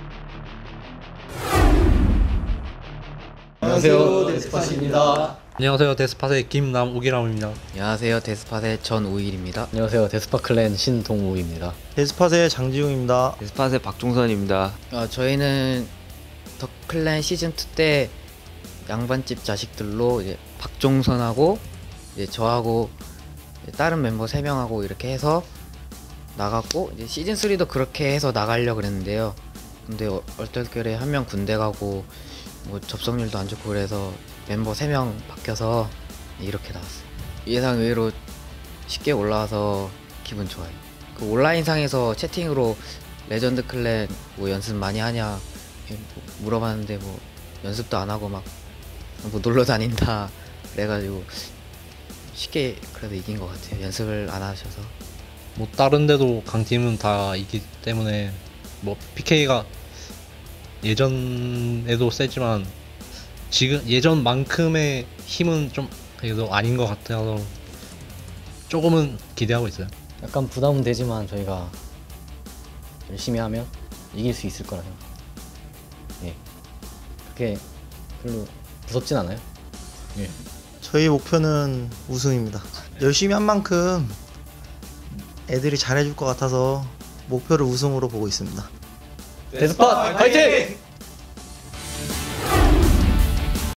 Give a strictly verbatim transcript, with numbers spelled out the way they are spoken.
안녕하세요, 데스팟입니다. 안녕하세요, 데스팟의 김남욱이라고합니다. 안녕하세요, 데스팟의 전우일입니다. 안녕하세요, 데스팟 클랜 신동욱입니다. 데스팟의 장지웅입니다. 데스팟의 박종선입니다. 어, 저희는 더 클랜 시즌 투 때 양반집 자식들로 이제 박종선하고 이제 저하고 이제 다른 멤버 세 명하고 이렇게 해서 나갔고, 이제 시즌 쓰리도 그렇게 해서 나가려고 그랬는데요. 근데 어, 얼떨결에 한 명 군대 가고 뭐 접속률도 안 좋고 그래서 멤버 세 명 바뀌어서 이렇게 나왔어요. 예상 외로 쉽게 올라와서 기분 좋아요. 그 온라인상에서 채팅으로 레전드 클랜 뭐 연습 많이 하냐 물어봤는데 뭐 연습도 안 하고 막 뭐 놀러 다닌다 그래가지고 쉽게 그래도 이긴 것 같아요. 연습을 안 하셔서. 뭐 다른 데도 강팀은 다 이기 때문에 뭐 피케이가 예전에도 세지만 지금 예전만큼의 힘은 좀 그래도 아닌 것 같아서 조금은 기대하고 있어요. 약간 부담은 되지만 저희가 열심히 하면 이길 수 있을 거라 생각. 예, 그렇게 별로 무섭진 않아요. 예. 저희 목표는 우승입니다. 열심히 한 만큼 애들이 잘해줄 것 같아서 목표를 우승으로 보고 있습니다. 데스팟 화이팅!